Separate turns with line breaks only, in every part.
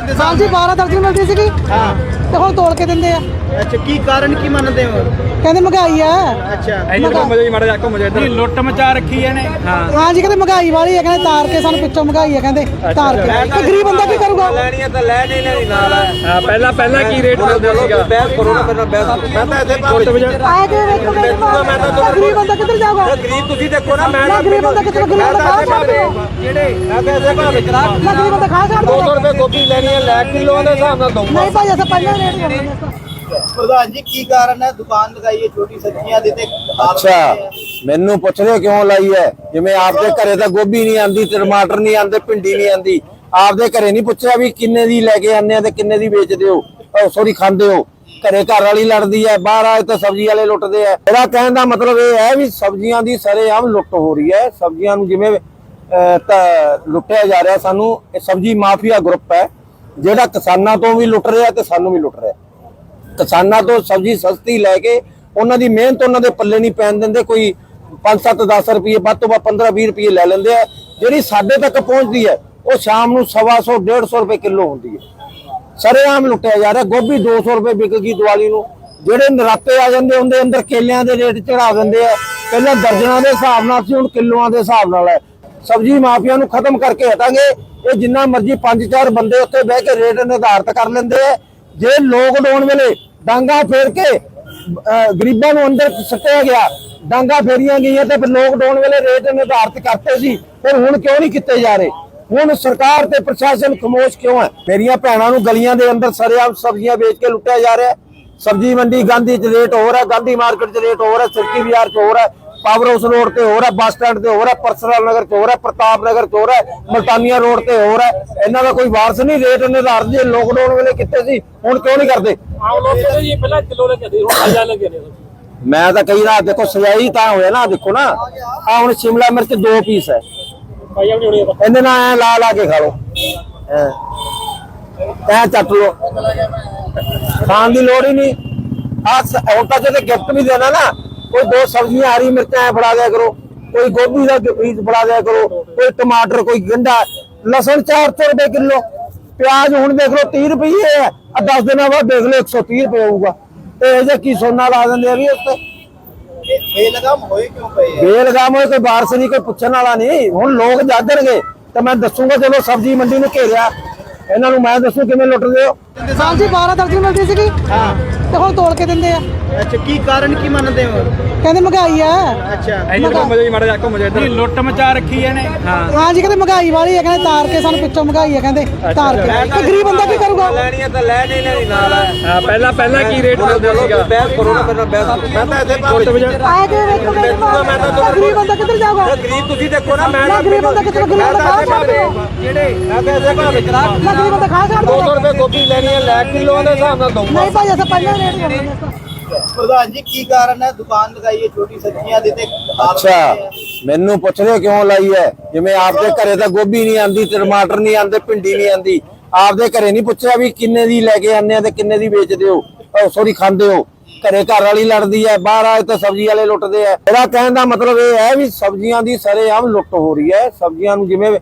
हाँ जी 12 दर्जन मिलती सी
हाँ
ते हुण तोड़ के दिंदे आ।
अच्छा की कारण की मनते हो?
कहंदे महंगाई है।
अच्छा
जी लुੱਟ मचा रखी है ने।
हाँ जी कहंदे महंगाई वाली है, कहंदे तार के सानू पिछों महंगाई है, कहंदे तार के ते गरीब बंदा की करूगा?
ਲੈਣੀ ਹੈ ਤਾਂ ਲੈ ਨਹੀਂ ਲੈਣੀ ਨਾਲ ਹੈ।
हाँ पहला की रेट मिलता सीगा?
ਬਹਿਸ ਕਰੋ ਨਾ ਮੇਰੇ ਨਾਲ ਬਹਿਸ ਕਰੋ। ਮੈਂ ਤਾਂ ਇੱਥੇ
आए के देखो गरीब बंदा किधर जाऊगा?
ਗਰੀਬ ਤੁਸੀਂ ਦੇਖੋ ਨਾ ਮੈਂ
ना गरीब बंदा किधर गरीब बंदा खा सकते हो?
ਜਿਹੜੇ ਮੈਂ ਤਾਂ ਇੱਥੇ ਭਾਵੇਂ ਚਲਾ
ना गरीब बंदा खा सकते
200 ਰੁਪਏ ਗੋਭੀ ਲੈਣੀ ਹੈ ਲੈ ਕਿਲੋ ਦੇ ਹਿਸਾਬ ਨਾਲ ਦਊਂਗਾ।
नहीं भाई ऐसा पहले रेट करना
प्रधान जी की कारण है दुकान लगाई है छोटी सब्जियां देते?
अच्छा ਮੈਨੂੰ ਪੁੱਛਦੇ ਕਿਉਂ ਲਾਈ ਹੈ? ਜਿਵੇਂ ਆਪਦੇ ਘਰੇ ਤਾਂ ਗੋਭੀ ਨਹੀਂ ਆਂਦੀ, ਟਮਾਟਰ ਨਹੀਂ ਆਂਦੇ, ਭਿੰਡੀ ਨਹੀਂ ਆਂਦੀ, ਆਪਦੇ ਘਰੇ ਨਹੀਂ ਪੁੱਛਿਆ ਵੀ ਕਿੰਨੇ ਦੀ ਲੈ ਕੇ ਆਉਂਦੇ ਆ ਤੇ ਕਿੰਨੇ ਦੀ ਵੇਚਦੇ ਹੋ, ਸੌਰੀ ਖਾਂਦੇ ਹੋ। ਘਰੇ ਘਰ ਵਾਲੀ ਲੜਦੀ ਹੈ, ਬਾਹਰ ਆਏ ਤਾਂ ਸਬਜ਼ੀ ਵਾਲੇ ਲੁੱਟਦੇ ਆ। ਇਹਦਾ ਕਹਿਣ ਦਾ ਮਤਲਬ ਇਹ ਹੈ ਵੀ ਸਬਜ਼ੀਆਂ ਦੀ ਸਰੇਆਮ ਲੁੱਟ ਹੋ ਰਹੀ ਹੈ। ਸਬਜ਼ੀਆਂ ਨੂੰ ਜਿਵੇਂ ਲੁੱਟਿਆ ਜਾ ਰਿਹਾ। ਸਾਨੂੰ ਇਹ ਸਬਜ਼ੀ ਮਾਫੀਆ ਗਰੁੱਪ ਹੈ ਜਿਹੜਾ ਕਿਸਾਨਾਂ ਤੋਂ ਵੀ ਲੁੱਟ ਰਿਹਾ ਤੇ ਸਾਨੂੰ ਵੀ ਲੁੱਟ ਰਿਹਾ। ਕਿਸਾਨਾਂ ਤੋਂ ਸਬਜ਼ੀ ਸਸਤੀ ਲੈ ਕੇ ਉਹਨਾਂ ਦੀ ਮਿਹਨਤ ਉਹਨਾਂ ਦੇ ਪੱਲੇ ਨਹੀਂ ਪੈਣ ਦਿੰਦੇ। ਕੋਈ 5-7-10 ਰੁਪਏ ਵੱਧ ਤੋਂ ਵੱਧ 15-20 ਰੁਪਏ ਲੈ ਲੈਂਦੇ ਆ। ਜਿਹੜੀ ਸਾਡੇ ਤੱਕ ਪਹੁੰਚਦੀ ਹੈ ਉਹ ਸ਼ਾਮ ਨੂੰ 125-150 ਰੁਪਏ ਕਿਲੋ ਹੁੰਦੀ ਹੈ। ਸਰੇਆਮ ਲੁੱਟਿਆ ਜਾ ਰਿਹਾ। ਗੋਭੀ 200 ਰੁਪਏ ਵਿਕ ਗਈ ਦੀਵਾਲੀ ਨੂੰ। ਜਿਹੜੇ ਨਰਾਤੇ ਆ ਜਾਂਦੇ ਹੁੰਦੇ ਅੰਦਰ ਕੇਲਿਆਂ ਦੇ ਰੇਟ ਚੜਾ ਦਿੰਦੇ ਆ। ਪਹਿਲਾਂ ਦਰਜਨਾਂ ਦੇ ਹਿਸਾਬ ਨਾਲ ਸੀ, ਹੁਣ ਕਿਲੋਆਂ ਦੇ ਹਿਸਾਬ ਨਾਲ ਹੈ। ਸਬਜ਼ੀ ਮਾਫੀਆ ਨੂੰ ਖਤਮ ਕਰਕੇ ਹਟਾਂਗੇ। ਇਹ ਜਿੰਨਾ ਮਰਜ਼ੀ 5-4 ਬੰਦੇ ਉੱਥੇ ਬਹਿ ਕੇ ਰੇਟ ਨਿਰਧਾਰਿਤ ਕਰ ਲੈਂਦੇ ਆ। ਜੇ ਲੋਕਡਾਊਨ ਵੇਲੇ ਡਾਂਗਾ ਫੇਰ ਕੇ ਗਰੀਬਾਂ ਨੂੰ ਅੰਦਰ ਸੱਟਿਆ ਗਿਆ, ਡਾਂਗਾ ਫੇਰੀਆਂ ਗਈਆਂ ਤੇ ਫਿਰ ਲੋਕਡਾਊਨ ਵੇਲੇ ਰੇਟ ਨਿਰਧਾਰਿਤ ਕਰਤੇ ਸੀ, ਫਿਰ ਹੁਣ ਕਿਉਂ ਨਹੀਂ ਕੀਤੇ ਜਾ ਰਹੇ? ਹੁਣ ਸਰਕਾਰ ਤੇ ਪ੍ਰਸ਼ਾਸਨ ਖਾਮੋਸ਼ ਕਿਉਂ ਹੈ? ਮੇਰੀਆਂ ਭੈਣਾਂ ਨੂੰ ਗਲੀਆਂ ਦੇ ਅੰਦਰ ਸਰੇਆਮ ਸਬਜ਼ੀਆਂ ਵੇਚ ਕੇ ਲੁੱਟਿਆ ਜਾ ਰਿਹਾ। ਸਬਜ਼ੀ ਮੰਡੀ ਗਾਂਧੀ 'ਚ ਰੇਟ ਹੋ ਰਿਹਾ, ਗਾਂਧੀ ਮਾਰਕੀਟ 'ਚ ਰੇਟ ਹੋ ਰਿਹਾ, ਸਿਰਕੀ ਬਾਜ਼ਾਰ 'ਚ ਹੋ ਰਿਹਾ, ਪਾਵਰ ਹਾਊਸ ਰੋਡ ਤੇ ਹੋ ਰਿਹਾ, ਬੱਸ ਸਟੈਂਡ ਤੇ ਹੋ ਰਿਹਾ, ਪਰਸਨਲ ਨਗਰ 'ਚ ਹੋ ਰਿਹਾ, ਪ੍ਰਤਾਪ ਨਗਰ 'ਚ ਹੋ ਰਿਹਾ, ਮਲਤਾਨੀਆ ਰੋਡ ਤੇ ਹੋ ਰਿਹਾ। ਇਹਨਾਂ ਦਾ ਕੋਈ ਵਾਰਸ ਨਹੀਂ। ਰੇਟ ਨਿਰਧਾਰਿਤ ਜੇ ਲੋਕਡਾਊਨ ਵੇਲੇ ਕੀਤੇ ਸੀ, ਹੁਣ ਕਿਉਂ ਨਹੀਂ ਕਰਦੇ? ਮੈਂ ਤਾਂ ਕਹੀ ਰਿਹਾ ਦੇਖੋ ਸਜਾਈ ਤਾਂ ਹੋਇਆ ਨਾ। ਦੇਖੋ ਨਾ ਆ ਹੁਣ ਸ਼ਿਮਲਾ ਮਿਰਚ 2 ਪੀਸ ਹੈ, ਇਹਦੇ ਨਾਲ ਐ ਲਾ ਕੇ ਖਾ ਲੋ, ਐ ਚੱਟ ਲੋ, ਖਾਣ ਦੀ ਲੋੜ ਹੀ ਨਹੀਂ। ਹੁਣ ਤਾਂ ਜੇ ਗਿਫਟ ਵੀ ਦੇਣਾ ਨਾ, ਕੋਈ 2 ਸਬਜ਼ੀਆਂ ਹਰੀ ਮਿਰਚਾਂ ਐ ਫੜਾ ਦਿਆ ਕਰੋ, ਕੋਈ ਗੋਭੀ ਦਾ ਪੀਸ ਫੜਾ ਦਿਆ ਕਰੋ, ਕੋਈ ਟਮਾਟਰ, ਕੋਈ ਗੰਢਾ, ਲਸਣ 400 ਰੁਪਏ ਕਿਲੋ, ਪਿਆਜ਼ ਹੁਣ ਦੇਖ ਲਓ 30 ਰੁਪਏ ਹੈ। 10 ਦਿਨਾਂ ਬਾਅਦ ਦੇਖ ਲਓ 130 ਰੁਪਏ ਹੋਊਗਾ। ਤੇ ਇਹ ਜੇ ਕੀ ਸੋਨਾ ਲਾ ਦਿੰਦੇ ਆ ਵੀ ਉੱਤੇ।
ਬੇਲਗਾਮ ਹੋਏ ਕਿਉਂ ਪਏ?
ਬੇਲਗਾਮ ਹੋਏ, ਕੋਈ ਵਾਰਸ ਨਹੀਂ, ਕੋਈ ਪੁੱਛਣ ਵਾਲਾ ਨਹੀਂ। ਹੁਣ ਲੋਕ ਜਾਗਣਗੇ ਤਾਂ ਮੈਂ ਦੱਸੂਗਾ। ਜਦੋਂ ਸਬਜ਼ੀ ਮੰਡੀ ਨੂੰ ਘੇਰਿਆ ਇਹਨਾਂ ਨੂੰ ਮੈਂ ਦੱਸੂ ਕਿਵੇਂ ਲੁੱਟਦੇ ਹੋ।
हाँ जी 12 दर्जन मिलती सी
हाँ
ते हुण तोड़ के दिंदे आ।
अच्छा की कारण की मनते हो?
कहंदे महंगाई है।
अच्छा
जी लुੱਟ मचा रखी है ने।
हाँ जी कहंदे महंगाई वाली है, कहंदे तार के सानू पिछों महंगाई है, कहंदे तार के ते गरीब बंदा की करूगा?
ਲੈਣੀ ਹੈ ਤਾਂ ਲੈ ਨਹੀਂ ਲੈਣੀ ਨਾਲ ਹੈ।
हाँ पहला की रेट मिलता सीगा?
ਬਹਿਸ ਕਰੋ ਨਾ ਮੇਰੇ ਨਾਲ ਬਹਿਸ ਕਰੋ। ਮੈਂ ਤਾਂ ਇੱਥੇ ਭਾਵੇਂ
आए के देखो गरीब बंदा किधर जाऊगा?
ਗਰੀਬ ਤੁਸੀਂ ਦੇਖੋ ਨਾ ਮੈਂ
ना गरीब बंदा किधर गरीब बंदा खा सकते हो?
ਜਿਹੜੇ ਮੈਂ ਤਾਂ ਇੱਥੇ ਭਾਵੇਂ ਚਲਾ
ना गरीब बंदा खा सकते
200
हो?
ਰੁਪਏ ਗੋਭੀ ਲੈਣੀ ਹੈ ਲੈ ਕਿਲੋ ਦੇ ਹਿਸਾਬ ਨਾਲ ਦਊਂਗਾ।
नहीं भाई ऐसा पहले रेट करना
प्रधान जी की कारण है दुकान लगाई है छोटी सब्जियां देते?
ਅੱਛਾ ਮੈਨੂੰ ਪੁੱਛਦੇ ਕਿਉਂ ਲਾਈ ਹੈ? ਜਿਵੇਂ ਆਪਦੇ ਘਰੇ ਤਾਂ ਗੋਭੀ ਨਹੀਂ ਆਂਦੀ, ਟਮਾਟਰ ਨਹੀਂ ਆਂਦੇ, ਭਿੰਡੀ ਨਹੀਂ ਆਂਦੀ, ਆਪਦੇ ਘਰੇ ਨਹੀਂ ਪੁੱਛਿਆ ਵੀ ਕਿੰਨੇ ਦੀ ਲੈ ਕੇ ਆਉਂਦੇ ਆ ਤੇ ਕਿੰਨੇ ਦੀ ਵੇਚਦੇ ਹੋ, ਸੌਰੀ ਖਾਂਦੇ ਹੋ। ਘਰੇ ਘਰ ਵਾਲੀ ਲੜਦੀ ਹੈ, ਬਾਹਰ ਆਏ ਤਾਂ ਸਬਜ਼ੀ ਵਾਲੇ ਲੁੱਟਦੇ ਆ। ਇਹਦਾ ਕਹਿਣ ਦਾ ਮਤਲਬ ਇਹ ਹੈ ਵੀ ਸਬਜ਼ੀਆਂ ਦੀ ਸਰੇਆਮ ਲੁੱਟ ਹੋ ਰਹੀ ਹੈ। ਸਬਜ਼ੀਆਂ ਨੂੰ ਜਿਵੇਂ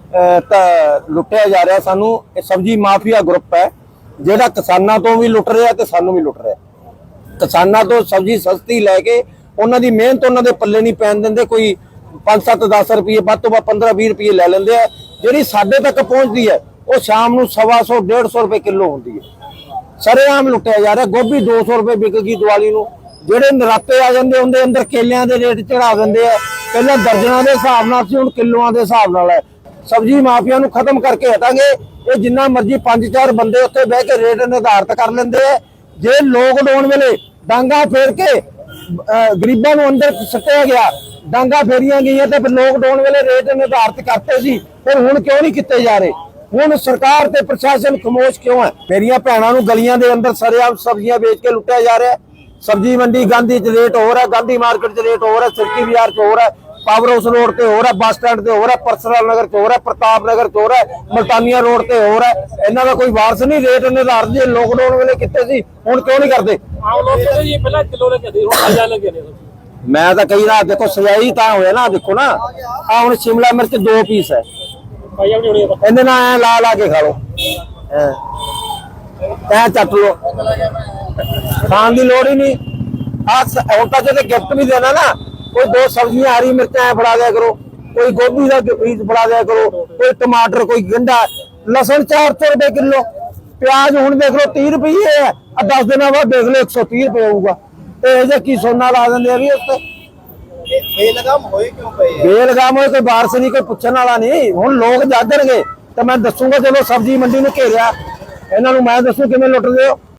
ਲੁੱਟਿਆ ਜਾ ਰਿਹਾ। ਸਾਨੂੰ ਇਹ ਸਬਜ਼ੀ ਮਾਫੀਆ ਗਰੁੱਪ ਹੈ ਜਿਹੜਾ ਕਿਸਾਨਾਂ ਤੋਂ ਵੀ ਲੁੱਟ ਰਿਹਾ ਤੇ ਸਾਨੂੰ ਵੀ ਲੁੱਟ ਰਿਹਾ। ਕਿਸਾਨਾਂ ਤੋਂ ਸਬਜ਼ੀ ਸਸਤੀ ਲੈ ਕੇ ਉਹਨਾਂ ਦੀ ਮਿਹਨਤ ਉਹਨਾਂ ਦੇ ਪੱਲੇ ਨਹੀਂ ਪੈਣ ਦਿੰਦੇ। ਕੋਈ 5-7-10 ਰੁਪਏ ਵੱਧ ਤੋਂ ਵੱਧ 15-20 ਰੁਪਏ ਲੈ ਲੈਂਦੇ ਆ। ਜਿਹੜੀ ਸਾਡੇ ਤੱਕ ਪਹੁੰਚਦੀ ਹੈ ਉਹ ਸ਼ਾਮ ਨੂੰ 125-150 ਰੁਪਏ ਕਿਲੋ ਹੁੰਦੀ ਹੈ। ਸਰੇਆਮ ਲੁੱਟਿਆ ਜਾ ਰਿਹਾ। ਗੋਭੀ 200 ਰੁਪਏ ਵਿਕ ਗਈ ਦੀਵਾਲੀ ਨੂੰ। ਜਿਹੜੇ ਨਰਾਤੇ ਆ ਜਾਂਦੇ ਹੁੰਦੇ ਅੰਦਰ ਕੇਲਿਆਂ ਦੇ ਰੇਟ ਚੜਾ ਦਿੰਦੇ ਆ। ਪਹਿਲਾਂ ਦਰਜਨਾਂ ਦੇ ਹਿਸਾਬ ਨਾਲ ਸੀ, ਹੁਣ ਕਿਲੋਆਂ ਦੇ ਹਿਸਾਬ ਨਾਲ ਹੈ। ਸਬਜ਼ੀ ਮਾਫੀਆ ਨੂੰ ਖਤਮ ਕਰਕੇ ਹਟਾਂਗੇ। ਇਹ ਜਿੰਨਾ ਮਰਜ਼ੀ 5-4 ਬੰਦੇ ਉੱਥੇ ਬਹਿ ਕੇ ਰੇਟ ਨਿਰਧਾਰਿਤ ਕਰ ਲੈਂਦੇ ਆ। ਜੇ ਲੋਕਡਾਊਨ ਵੇਲੇ ਡਾਂਗਾ ਫੇਰ ਕੇ ਗਰੀਬਾਂ ਨੂੰ ਅੰਦਰ ਸੱਟਿਆ ਗਿਆ, ਡਾਂਗਾ ਫੇਰੀਆਂ ਗਈਆਂ ਤੇ ਫਿਰ ਲੋਕਡਾਊਨ ਵੇਲੇ ਰੇਟ ਨਿਰਧਾਰਿਤ ਕਰਤੇ ਸੀ, ਫਿਰ ਹੁਣ ਕਿਉਂ ਨਹੀਂ ਕੀਤੇ ਜਾ ਰਹੇ? ਹੁਣ ਸਰਕਾਰ ਤੇ ਪ੍ਰਸ਼ਾਸਨ ਖਾਮੋਸ਼ ਕਿਉਂ ਹੈ? ਮੇਰੀਆਂ ਭੈਣਾਂ ਨੂੰ ਗਲੀਆਂ ਦੇ ਅੰਦਰ ਸਰੇਆਮ ਸਬਜ਼ੀਆਂ ਵੇਚ ਕੇ ਲੁੱਟਿਆ ਜਾ ਰਿਹਾ। ਸਬਜ਼ੀ ਮੰਡੀ ਗਾਂਧੀ 'ਚ ਰੇਟ ਹੋ ਰਿਹਾ, ਗਾਂਧੀ ਮਾਰਕੀਟ 'ਚ ਰੇਟ ਹੋ ਰਿਹਾ, ਸਿਰਕੀ ਬਾਜ਼ਾਰ 'ਚ ਹੋ ਰਿਹਾ, ਪਾਵਰ ਹਾਊਸ ਰੋਡ ਤੇ ਹੋ ਰਿਹਾ, ਬੱਸ ਸਟੈਂਡ ਤੇ ਹੋ ਰਿਹਾ, ਪਰਸਨਲ ਨਗਰ 'ਚ ਹੋ ਰਿਹਾ, ਪ੍ਰਤਾਪ ਨਗਰ 'ਚ ਹੋ ਰਿਹਾ, ਮਲਤਾਨੀਆ ਰੋਡ ਤੇ ਹੋ ਰਿਹਾ। ਇਹਨਾਂ ਦਾ ਕੋਈ ਵਾਰਸ ਨਹੀਂ। ਰੇਟ ਨਿਰਧਾਰਿਤ ਜੇ ਲੋਕਡਾਊਨ ਵੇਲੇ ਕੀਤੇ ਸੀ, ਹੁਣ ਕਿਉਂ ਨਹੀਂ ਕਰਦੇ? ਮੈਂ ਤਾਂ ਕਹੀ ਰਿਹਾ ਦੇਖੋ ਸਜਾਈ ਤਾਂ ਹੋਇਆ ਨਾ। ਦੇਖੋ ਨਾ ਆ ਹੁਣ ਸ਼ਿਮਲਾ ਮਿਰਚ 2 ਪੀਸ ਹੈ, ਇਹਦੇ ਨਾਲ ਐ ਲਾ ਕੇ ਖਾ ਲੋ, ਤੈਂ ਚੱਟ ਲੋ ਖਾਣ ਦੀ ਲੋੜ ਹੀ ਨਹੀਂ ਆ ਹੁਣ ਤਾਂ ਜੇ ਗਿਫਟ ਵੀ ਦੇਣਾ ਨਾ ਕੋਈ 2 ਸਬਜ਼ੀਆਂ ਹਰੀ ਮਿਰਚਾਂ ਫੜਾ ਦਿਆ ਕਰੋ ਕੋਈ ਗੋਭੀ ਦਾ ਬੀਜ ਫੜਾ ਦਿਆ ਕਰੋ ਕੋਈ ਟਮਾਟਰ ਕੋਈ ਗੰਢਾ ਲਸਣ 400 ਰੁਪਏ ਕਿਲੋ ਪਿਆਜ਼ ਹੁਣ ਦੇਖ ਲਓ 30 ਰੁਪਏ ਹੈ 10 ਦਿਨਾਂ ਬਾਅਦ ਦੇਖ ਲਓ 130 ਰੁਪਏ ਹੋਊਗਾ ਤੇ ਇਹ ਜੇ ਕੀ ਸੋਨਾ ਲਾ ਦਿੰਦੇ ਆ ਵੀ ਉੱਤੇ
ਬੇਲਗਾਮ ਹੋਏ ਕਿਉਂ ਪਏ ਆ?
ਬੇਲਗਾਮ ਹੋਏ ਕੋਈ ਬਾਰਸ ਨਹੀਂ ਕੋਈ ਪੁੱਛਣ ਵਾਲਾ ਨਹੀਂ ਹੁਣ ਲੋਕ ਜਾਗਣਗੇ ਤੇ ਮੈਂ ਦੱਸੂਗਾ ਜਦੋਂ ਸਬਜ਼ੀ ਮੰਡੀ ਨੂੰ ਘੇਰਿਆ ਇਹਨਾਂ ਨੂੰ ਮੈਂ ਦੱਸੂ ਕਿਵੇਂ ਲੁੱਟਦੇ ਹੋ